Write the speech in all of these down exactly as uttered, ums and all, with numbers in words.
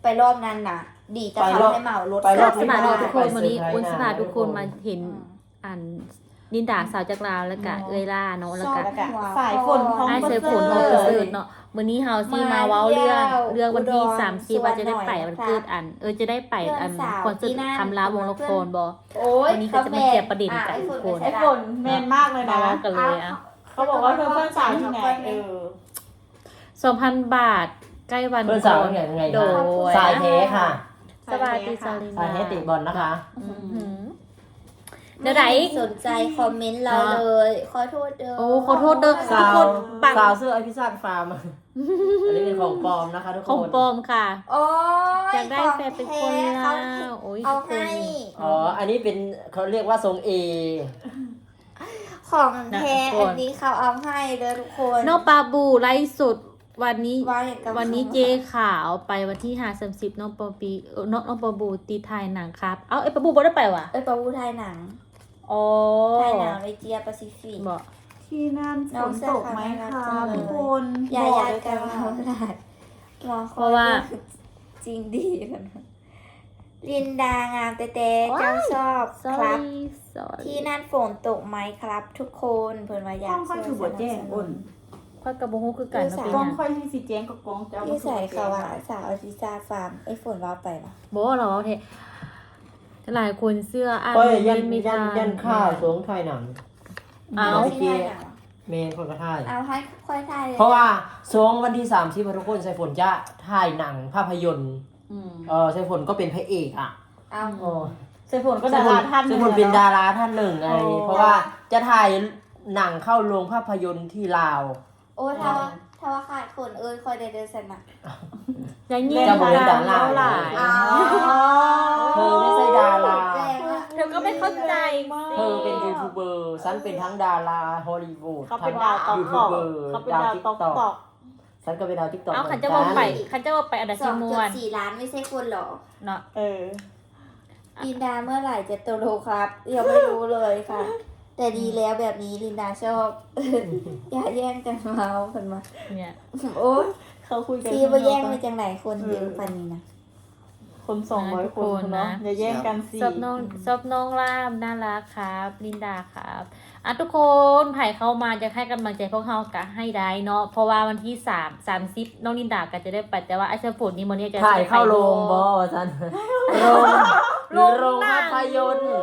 ไปรอบนั้นน่ะ ดีแต่เขาให้เหมารถไปรอบสมาที่ทุกคนวันนี้อุนสมาทุกคนมาเห็นอืมอ่านดินดาสาวจากลาวแล้วก็เอยล่าเนาะแล้วก็แล้วก็สายฝนของไอ้ประเสือเสฝรินฐของประเสริฐเนาะมื้อนี้เฮาสิมาเว้าเรื่องเรื่องวันที่สามสิบว่าจะได้ไปวันเกิดอัน เออจะได้ไปอันคอนเสิร์ตคำลาวงละครบ่โอ้ยวันนี้ก็จะมาเคลียร์ประเด็นกันทุกคนไอ้ฝนแมนมากเลยมานะเว้ากันเลยอ่ะเขาบอกว่าเพื่อนเพื่อนสาวที่ไหนเออสองพัน บาทใกล้วันเพื่อนสาวที่ไหนยังไงโดคะยสายเทค่ะสวัสดีซาลิสายเทติบอลนะคะอื้อหือ เดี๋ยวไหนสนใจคอมเมนต์เราเลยขอโทษเด้อโอ้ขอโทษเด้อสาวคนปังสาวเสื้อไอพิซซ่าฟาร์ม อันนี้เป็นของปลอมนะคะทุกคนของปลอมค่ะโอ้ยอยากได้แฟนเป็นคนลาวโอ้ยเอาทุกคนให้อ๋อ อันนี้เป็นเขาเรียกว่าทรงเอของแท้อันนี้เขาเอาให้เด้อทุกคนนอกปลาบูไลฟ์สดวันนี้ว่าอย่างกับวันนี้เจขาวไปวันที่ห้าสามสิบน้องปอปีเออน้องน้องปอบูตีไทยหนังครับ เอ้าไอ้ปอบูบ่ได้ไปว่ะเอ้ยปะวูไทยหนังอ๋อไทยหนังในเจียแปซิฟิกบอกที่นั่นฝนตกไหมคะทุกคนอย่าบอกยาเลยกันจ้าเขาได้หมอคเพราะว่าจริงดีกันลินดางามเต้เต้เจ้าชอบครับ sorry sorry ที่นั่นฝนตกไหมครับ ทุกคนเพิ่นว่าอยาห้อก งค่อยถือบัวแจ้งอุ่นค่อยกับโบฮูคือกันเนาะเป็นกล้องหยังค่อยให้สีแจ้งกับกล้องจะเอาที่ใส่เขาว่าสาวอซิซาฟาร์มไอ้ฝนว่าไปปะบอกว่าเราเอาเทหลายคนเสื้ออ่านก็ยันไม่ยัทันนยันข้าวสวงไทยหนังเอาที่ไทยหนังเมนคนก็ถ่ายเอาให้ค่อยถ่ายเลยเพราะว่าสวงวันที่สามที่ทุกคนใส่ฝนจะถ่ายหนังภาพยนตร์อืมเออใส่ฝนก็เป็นพระเอกอ่ะเอาโอ้ใส่ฝนก็ดาราท่านใส่ฝนเป็นดาราท่านหนึ่งไงโอ้เพราะว่าจะถ่ายหนังเข้าโรงภาพยนตร์ที่ลาวโอ้ถ้าว่าถ้าว่าขาดคนเอ้ยค่อยได้เดินสนะอย่างนี้จะบอกเป็นดาราหลายอ๋อเธอไม่ใช่ดาราแรงอะเธอก็ไม่เข้าใจเธอเป็นยูทูบเบอร์ฉันเป็นทั้งดาราฮอลลีวูดเขาทั้เป็นงดาวตอกยูตทูบอกเบอร์เขาเป็นดาวดาวติ๊กตอกต็อกตอกฉันก็เป็นดาวติ๊กต็อกเอาขันจะว่าไปขันจะว่าไปอันดับสอชิงมจุวดนสี่ล้านไม่ใช่คนหรอเนาะเออลินดาเมื่อไหร่จะโตโลครับยังไม่รู้เลยค่ะ แต่ดีแล้วแบบนี้ลินดาชอบ อย่าแย่งกันเมาเพิ่นมาเนี่ยโอ้ยเขาคุยกันซีบ่แย่งไปจังไหนคนเยอะปานนี้นะคนสองร้อยคนเนาะอย่าแย่งกันสิซอบน้องซอบน้องล่ามน่ารักครับลินดาครับอ่ะทุกคนไผ่เข้ามาจะให้กำลังใจพวกเขากะให้ได้เนาะเพราะว่าวันที่สามสามสิบน้องลินดาก็จะได้ไปแต่ว่าไอ้เชฟฝนนี่มันเนี่ยจะถ่ายเข้าโรงบอฉันโรงหรือโรงภาพยนตร์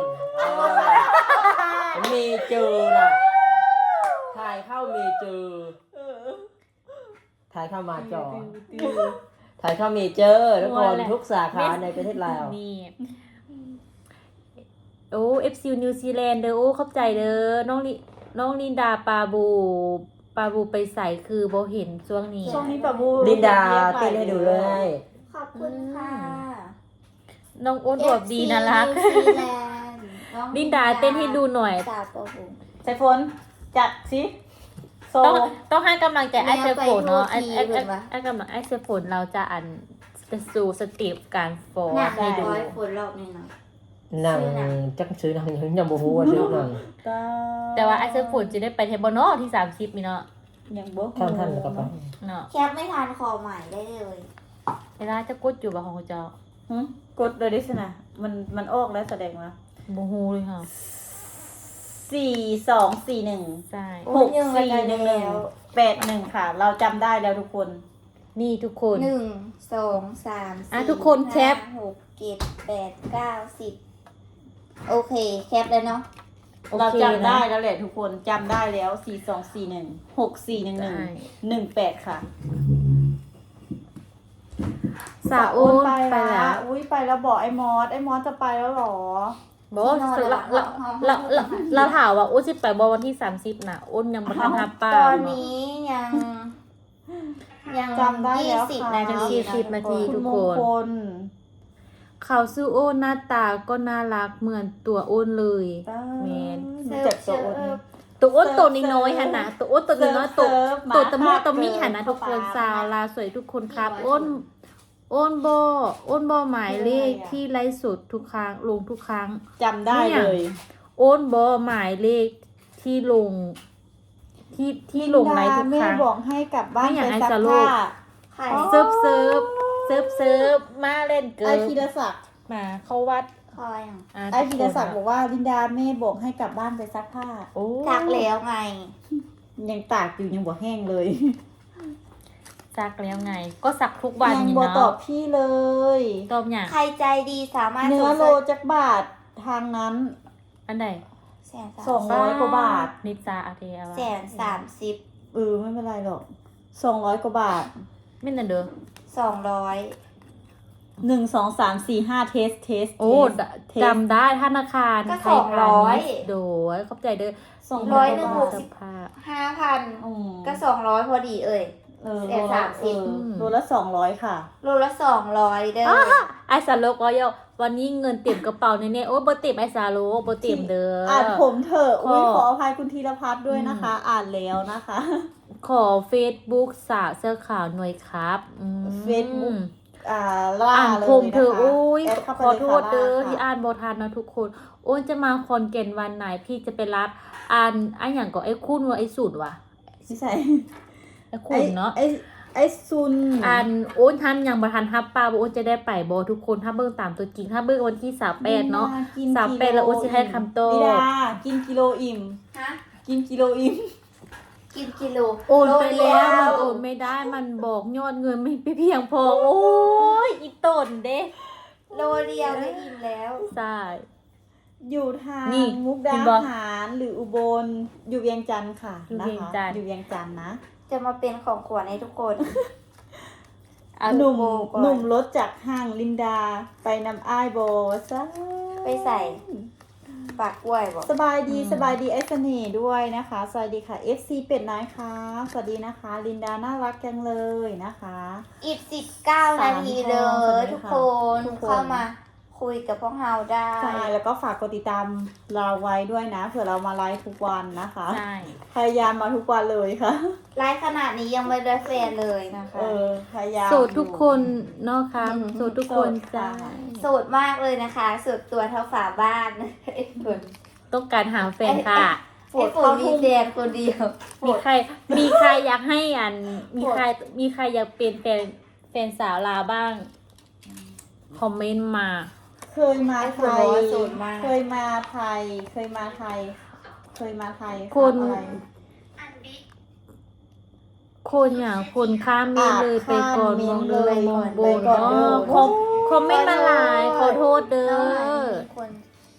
เมเจอร์น่ะถ่ายเข้าเมเจอร์ถ่ายเข้ามาจอถ่ายเข้าเมเจอร์ทุกคนทุกสาขาในประเทศลาวนี่โอ้เอฟซีนิวซีแลนด์เด้อโอ้เข้าใจเด้อน้องลิน้องลินดาปาบูปาบูไปใส่คือโบเห็นช่วงนี้ช่วงนี้ปะบูลินดาเต้นให้ดูเลยขอบคุณค่ะน้องอ้วนอวบดีน่ารักเอฟซีนิวซีแลนด์น้องลินดาเต้นให้ดูหน่อยสาวปะหูใส่ฝนจัดสิโซต้องต้องให้กำลังใจไอ้เซฟฝนเนาะไอ้แม่ไอ้ไปไอ้โทษทีเพิ่นว่าไอ้กำลังไอ้เซฟฝนเราจะอันจะสู่สเต็ปการฟอร์หนักให้ดูร้อยคนรอบนี้เนาะหนังซื้อหนังจักซื้อหนังยังยังบ่ฮู้ว่าซื้อหนังแต่ว่าไอ้เซฟฝนจะได้ไปเทปบอลเนาะที่สามสิบมีเนาะยังบ่ท่านท่านก็ไปเนาะแคปไม่ทันคอใหม่ได้เลยเวลาจะกดอยู่บ่ของเจ้าหึกดเลยดิสนะมันมันออกแล้วแสดงว่าบูฮูเลยค่ะสี่สองสี่หนึ่งใช่หกสี่หนึ่งหนึ่งแปดหนึ่งค่ะ เราจำได้แล้วทุกคนนี่ทุกคนหนึ่งสองสามอ่ะสี่ทุกคนแคปห้าหกเจ็ดแปดเก้าสิบโอเค แคปเลยเนาะโอเราเคจำได้นะแล้วแหละทุกคนจำได้แล้วสี่สองสี่หนึ่งหกสี่หนึ่งหนึ่งใช่หนึ่งแปดค่ะสาวอ้นไปไปแล้แล้ว วอุ้ยไปแล้วบอกไอ้มอสไอ้มอสจะไปแล้วเหรอบอกว่าเราเราเราเราเราถามว่าอ้นสิไปบอวันที่สามสิบน่ะอ้นยังบ่ทันทับป้าตอนเนาะนี้ยัง ยังจำได้แล้วยี่สิบค่ะนาทียี่สิบนาทีคุณมงคลเขาซื้อโอ้นหน้าตาก็น่ารักเหมือนตัวอ้นเลย แมนรู้จักตัวอ้นตัวอ้นตัวน้อยๆหันนะตัวอ้นตัวน้อยๆตัวเซิร์ฟตัวมาตะมุตะมิเกิหันนะทุกคนเข้าไปสาวลาสวยทุกคนครับอ้นอ้นบออ้นบอหมายเลขที่ไลฟ์สดทุกครั้งลงทุกครั้งจำได้เลยอ้นบอหมายเลขที่ลง ที่ที่ลงไลฟ์ทุกครั้งแม่บอกให้กลับบ้านไม่อยากไปให้ซักสโลผ้าปใครเซิร์ฟเซิร์ฟเซิร์ฟเซิร์ฟมาเล่นเกิไอร์พีรศักดิ์มาเข้าวัดคอยอ่ะอ่ะไอพีรศักดิ์บอกว่าลินดาแม่บอกให้กลับบ้านไปซักผ้าโอ้ซักแล้วไงยังตากอยู่ยังบ่แห้งเลยซักแล้วไง ก็ซักทุกวันยังอยู่บ่ตอเนาะบพี่เลยตอบอย่างใครใจดีสามารถเนื้อส่งโลจักบาททางนั้นอันไหนแสนสสาอมงร้อยกว่าบาทนิจาอาเทอาวะแสนสามสิบเออไม่เป็นไรหรอกสองร้อยกว่าบาทไม่นั่นเด้อสองร้อยหนึ่งสองสามสี่ห้าเทสเทสโอ้เทสจำได้ธนาคารก็ไทสยองพาร้อยณิชย์โดยขอบใจเด้อสองร้ร้ออย ยหนึ่งกหว่าก บาทสิบผ้าห้าพันอืมก็สองร้อยพอดีเอ่ยเออแสนสามสิบเออโลละสองร้อยค่ะโลละสองร้อยเด้อไอซาโลก็ยวันนี้เงินเต็มกระเป๋าแน่ๆโอ้บ่เต็มไอซาโลบ่เต็มเด้อออ่านผมเถอะอุ้ยก็ขออภัยคุณธีรพัฒน์ด้วยนะคะ อ่านแล้วนะคะขอ Facebook สาวเสื้อขาวหน่วยครับอืม Facebook อ่าล่าอ่านเลยผมนะเธอคะโอ้ยแดเข้าไปขอลยโทค่ะษเด้อล่าที่ค่ะอ่านบ่ทันนะทุกคน โอ้ยจะมาคอนเกนวันไหนพี่จะไปรับอ่านอันอย่างก็ไอ้คุณว่าไอ้สุดว่ะไม่ใช่ไอ้คุณเนาะไอ้ไอ้ซุนอ่านโอ้ยทันยังบ่ทันฮับป้าบ่โอ้ยจะได้ไปบ่ทุกคนถ้าเบิ่งตามตัวจริงถ้าเบิ่งวันที่สามสิบแปดเนาะกินสามแปดแล้วโอ้จะให้คำโตนิดากินกิโลอิ่มฮะกินกิโลอิ่มกินกิโลโอนไปโลแล้วเดีมันยโอนไม่ได้มันบอกยอดเงินไม่เพียงพอโอ้ยอีต้นเด้โลเดียวก็อิ่มแล้วใช่อยู่ทางนี่มุกดาเห็นปะหารหรืออุบลอยู่เวียงจันทร์ค่ะอยู่นะเวียงคะจันทร์อยู่เวียงจันทร์นะจะมาเป็นของขวัญให้ทุกคนเอาหนุ่มโบก่อนหนุ่มรถจากห้างลินดาไปนำอ้ายโบซะไปใส่ปากกล้วยบอกสบายดีสบายดีไอ้เสน่ห์ด้วยนะคะ สวัสดีค่ะ เอฟ ซี เป็ดน้อยค่ะ สวัสดีนะคะ ลินดาน่ารักจังเลยนะคะอีกสิบเก้านาทีเลสามยทองทุกคนทุกคนเข้ามาคุยกับพวกเราได้ใช่แล้วก็ฝากกดติดตามเราไว้ด้วยนะเผื่อเรามาไลฟ์ทุกวันนะคะใช่พยายามมาทุกวันเลยค่ะไลฟ์ขนาดนี้ยังไม่ได้แฟนเลยนะคะเออพยายามโสดทุกคนเนาะครับอืมโสดทุกคนโสดจ้าค่ะโสดมากเลยนะคะโสดตัวเท่าฝาบ้านไอ้ฝนต้องการหาแฟนค่ะไอ้ฝนมีแฟนคนเดียวมีใคร มีใครอยากให้อัน มีใคร มีใครอยากเป็นแฟนแฟนสาวลาวบ้าง คอมเมนต์มาเคยมาไอ้ฝไทนบยอกว่าโสดมากเคยมาไทย เคยมาไทย เคยมาไทยคนอะไรคนอย่างคนข้ามเมนเลยไปก่อนข้ามมเมอน งเลเลยยมองบไปนก่อนเนาะเด้อคอมคอมเมนต์มาหลายขอโทษเด้อน้องหลานมีคน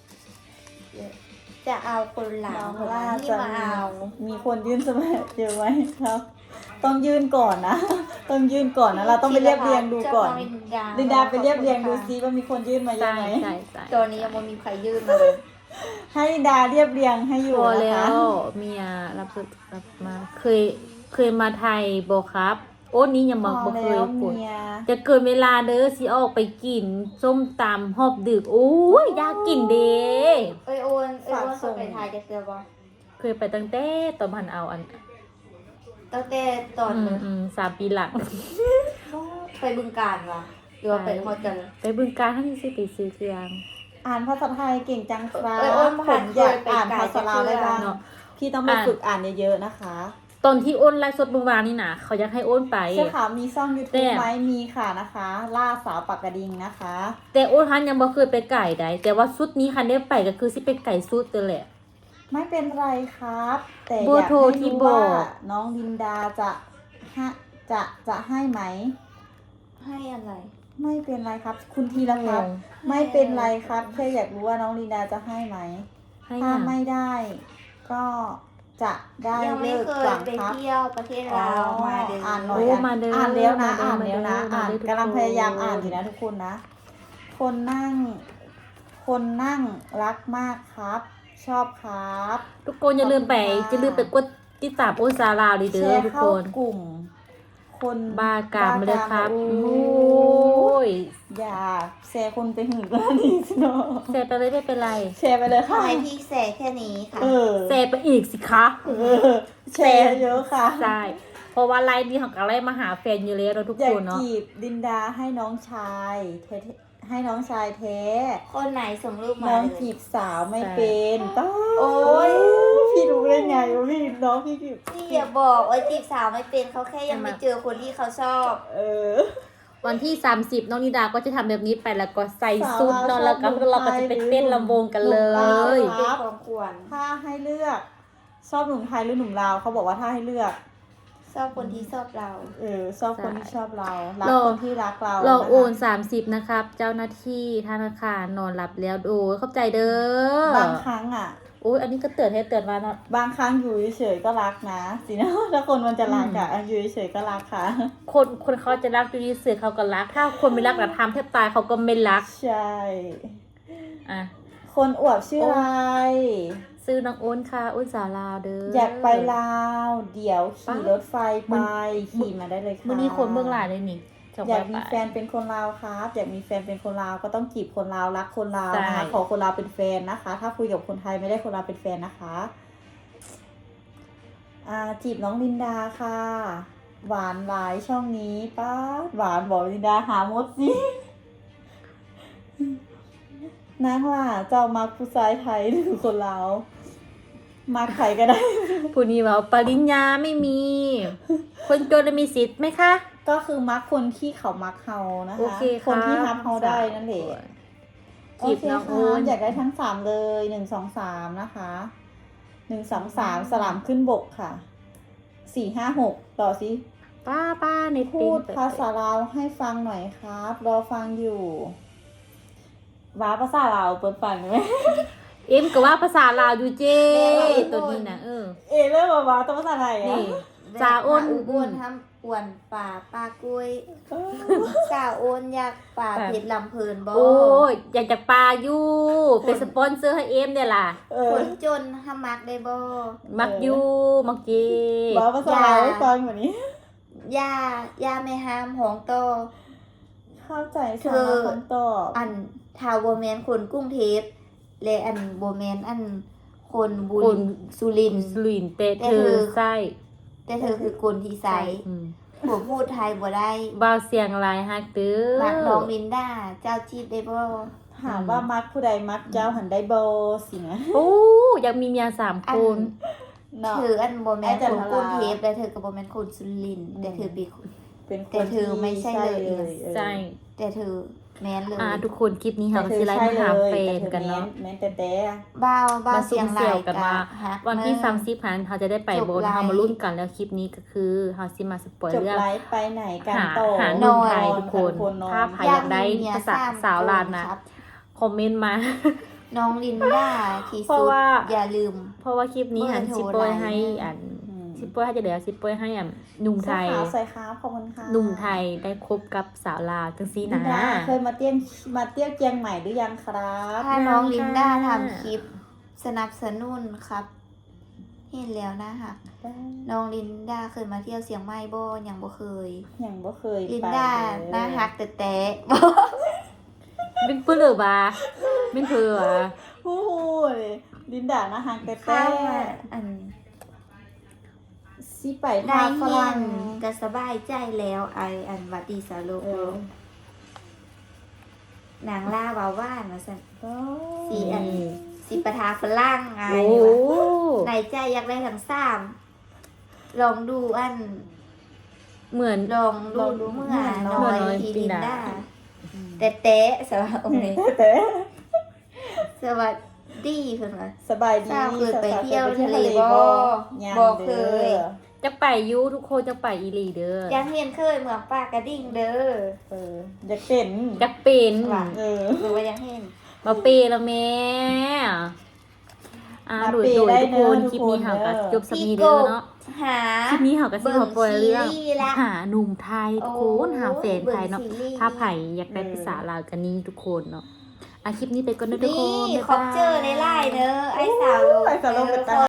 จะเอาคนหลังน้องคนล่าที่จะมาเอามีคนยื่นสมัครเจอไหมครับ ต้องยื่นก่อนนะ ต้องยื่นก่อนนะ เราต้องไปเรียบเรียงดูก่อน ลินดาไปเรียบเรียงดูซิว่ามีคนยื่นมาเยใช่อะไหมใช่ใช่ตอนนี้ยังไม่มีใครยื่นมาเลยให้ลินดาเรียบเรียงให้อยู่พอนะแล้คะวเมียรับสุดรับมา เคย เคยมาไทยบอครับ โอ้นี้ยังพบอกอบ่เคแล้ยว กดเมียจะเกินเวลาเด้อสิออกไปกิน ส้มตำหอบดึกโอ้ยอยากกินเด้เอ้ยโอนเอ้ยโอนเขาไปถ่ายจะเจอบ่เคยไปตั้งแต่ตอนพันเอาอันตั้งแต่ตอนอืเลมยอืมสามปีหลังไปบึงการวะหรือว่าไปฮอดกันไปบึงการให้ซื้อไปซื้อเครื่องอ่านภาษาไทยเก่งจังครับเอ้ยโอนผผ่านมอยากเคยไปอ่านไกลภาษาลาวได้บ้างเนาะพี่ต้องไปอ่านฝึกอ่านเยอะๆนะคะตอนที่โอนไลฟ์สดเมื่อวานนี่นะเขาอยากให้โอนไปเชื่อค่ะมีช่องยูแต่ทูบไหมมีค่ะนะคะ ล่าสาวปากกระดิ่งนะคะแต่โอนทันยังบ่เคยไปไก่ใดแต่ว่าชุดนี้คันได้ไปก็คือสิเป็นไก่สุดตัวแหละไม่เป็นไรครับ แต่เบออร์ยากโทรให้ที่รู้บอว่าก น้องลินดาจะฮะจะจะให้ไหมให้อะไรไม่เป็นไรครับ คุณทีละครับ ไม่เป็นไรครับแค่อยากรู้ว่าน้องลินดาจะให้ไหมให้ถ้ายังไม่ได้ ก็จะได้ยังไม่เลิกเคยหลังไปครับเที่ยวประเทศลาวมาเดือนอ่านหน่อยโอ้มาเด้ออ่านแล้วนะมาอ่านเด้อแล้วนะมาอ่านเด้อทุกกำลังคนพยายามอ่านอยู่นะทุกคนนะ คนนั่ง คนนั่งรักมากครับ ชอบครับทุกคนอย่าลืมไปขอบคุณค่ะจะลืมไปกดติดตามโอนซาลาวดีแชเด้อร์ทุกเข้าคนกลุ่ม คนบ้ากามเลยครับโอ้โอ้ยอย่าแชร์คนไปหื่นก็นี่สิเนาะแชร์ไปเลยไม่เป็นไรแชร์ไปเลยทำค่ะไมพี่แสแค่นี้ค่ะเออแชร์ไปอีกสิคะเออแชร์เยอะค่ะใช่เพราะว่าไลน์นี้ของกันไลน์มาหาแฟนอยู่แล้วเราะทุกอยาคกนเนาะจีบดินดาให้น้องชายเทให้น้องชายเทคนไหนส่งรูปมาน้องเลยจีบสาวไม่เป็นป้าโอ๊ยพี่รู้ได้ไงว่าพี่น้องพี่จีบพี่อย่าบอกว่าจีบสาวไม่เป็นเขาแค่ยังไม่เจอคนที่เขาชอบเออวันที่สามสิบน้องนิดาก็จะทำแบบนี้ไปแล้วก็ใส่ชุดเนอนแล้วก็เราก็จะไปเต้นลำวงกันเลยเป็นของขวัญถ้าให้เลือก ชอบหนุ่มไทยหรือหนุ่มลาวเขาบอกว่าถ้าให้เลือกชอบคนที่ชอบเราเออชอบคนที่ชอบเรารักเราคนที่รักเราเราโอนนะคะสามสิบนะครับ เจ้าหน้าที่ธนาคารนอนหลับแล้วโอ้ยเข้าใจเด้อบางครั้งอ่ะโอ้ยอันนี้ก็เตือนให้เตือนมาเนาะบางครั้งอยู่เฉยๆก็รักนะสินะ ถ้าคนมันจะรักอะอยู่เฉยๆก็รักค่ะคนคนเขาจะรักดูดีเสือเขาก็รัก ถ้าคนไม่รักแต่ทำแทบตายเขาก็ไม่รักใช่อ่ะคนอวบชื่ออะไรซื้อน้องโอนค่ะโอนสาวลาวเด้ออยากไปลาว เดี๋ยวขี่รถไฟไป ขี่มาได้เลยค่ะมื่อนี้คนเบื้องหลังเลยนี่จบอยากมีไปแฟนเป็นคนลาวครับอยากมีแฟนเป็นคนลาวก็ต้องจีบคนลาวรักคนลาวนะคะใช่ขอคนลาวเป็นแฟนนะคะ ถ้าคุยกับคนไทยไม่ได้คนลาวเป็นแฟนนะคะอ่าจีบน้องลินดาค่ะ หวานหลายช่องนี้ป้าดหวานบอกลินดาหามดสิ นางล่ะเจ้ามักผู้ชายไทยหรือคนลาวมักใครก็ได้ผู้นี้ว่าปริญญาไม่มี คนจนมีสิทธิ์ไหมคะก็คือมักคนที่เขามักเฮานะโอคะเคคนที่รัรับเฮาได้นั่นแหละ โอจีบเคน้องโอค่ะนอยากได้ทั้งสามเลยหนึ่งสองสามนะคะหนึ่งสองสามสลามขึ้นบกค่ะสี่ห้าหกต่อสิป้าป้าในพูดภาษาลาวให้ฟังหน่อยครับ รอฟังอยู่ว้าภาษาลาวเปิดฟังไหมเอ็มก็ว่าภาษาลาวอยู่เจ้ตัวนี้นะเออเอเริ่มมาว้าต้องภาษาไทยอ่ะนี่ จ่าอ้นอุบลทำอ้วนป่าปลากล้วยสาวโอนอยากป่าเพชรลำเพลินบ่โอ้ยอยากจะปลาอยู่เป็นสปอนเซอร์ให้เอ็มเนี่ยล่ะเอคอนจนหามักได้บ่มักอยู่มักเจว้าภาษาลาวให้ฟังแบบนี้ย่าย่าไม่ห้ามหองโตอเข้าใจสาระคำตอบอันทาวโบแมนคนกรุ้งเทพและอันโบแมนอันคนบุคญนสุรินทร์สลินเตะแต่เธเธออไส้แต่เธอคือคนที่ใสอืมผมพูดไทยบ่ได้บาวเสียงลายฮักเตื้อมักน้องลินดาเจ้าจีบได้บ่ถามว่ามักผู้ใดมักเจ้าหันได้โบสินะโอ้อยากมีเมียสามอัคน นเนาะเธออันโบแมนไอ้จัคน นทรากรุ้งเทพและเธอก็โบแมนคนสุรินทร์อืมแต่เธอเป็นคนเป็นคแต่นเธอไม่ใช่เลยเออใช่แต่เธอแมนเลยอ่าทุกคนคลิปนี้แต่ค่ะก็เธสิอไลใช่ฟ์เลหาย แฟนแต่กันเธอเนาะแม้แต่แต่บ้าวบ้าวมาซุ่เสียมงเสี่รายยวกันกะว่าฮักวันที่เนอะสามสิบพันเขาจะได้ไปจบโบนไลฟ์เขามาลุ้นกันแล้วคลิปนี้ก็คือเขาสิมาสปอยจบเรื่องไลฟ์ไปไหนกันหาต่อหาหนนุ่มอนไทยทุกคนนอนถ้าใครอยากได้ภาษาสาวลาวนะครับคอมเมนต์มาน้องลินดาที่เพราะสุดว่าอย่าลืมเพราะว่าคลิปนี้หันเบอร์โทรซิปโปยให้ไลน์อันอืมซิปโปยให้จะเดี๋ยวซิปโปยให้อันหนุ่มไทยขาวใส่ขาวขอบคุณค่ะหนุ่มไทยได้คบกับสาวลาวจังซี่ลินะนดาเคยมาเตี้ยงมาเตี้ยวเจียงใหม่หรือยังครับถ้าน้องยังลินดาค่ะทำคลิปสนับสนุนครับ เห็นแล้วนะคะน้องลินดาเคยมาเที่ยวเสียงใหม่บ่ยังบ่เคยยังบ่เคยลินไปดาเลยน่าฮักแต่แต่เป็นเพื่อนหรือบ่าเป็นเพื่อโอ้โหลินดานะฮังแต่แต่ข้าวอันสิไปได้ทางฝเฮียรั่นงก็สบายใจแล้วไออันวัดดีสาโลกเออนางล่าวาว่านมาสั่นโอ้สีอันสีประทาฝรั่งไอโอ้ในใจอยากได้ทั้งสามลองดูอันเหมือนลองดูเมื่อน้อยน้อยทีลิลินนดาดาแต่เต๊ะสวัสดีแต่สวัสดีเพื่อนว่าสบายดีเจ้าเคยไปสาวๆเที่ยวคทะเลไปบ่ยังบ่เคยด้อจะไปอยูทุกคนจะไปอีหลีเด้อยังเห็นเคยเมืองปากกระดิ่งเด้อเอออยากเป็นจะเป็นว่ะเออหรือว่ายังเห็นมาเปย์แล้วแม่อ่ามาโดยเปย์โดยได้ทุกคนเนอะคลิปนี้ทุกคนเห่ากับเนอะจบสมีเด้อเนาะหาคลิปนี้เห่ากับซิมาปอยเรื่องเบิ่งซีรีส์ละหาหนุ่มไทยทุกคนหาแฟนไทยเนาะบิ่งซีรีส์ถ้าไผ่อยากได้ภาษาลาวกันนี้ทุกคนเนาะอ่ะคลิปนี้ไปก่อนนะทุกนี่คนบ๊ายขอายเจอในไลน์เนอะไอ้สาวโลกไอ้สาวโลกเป็นตา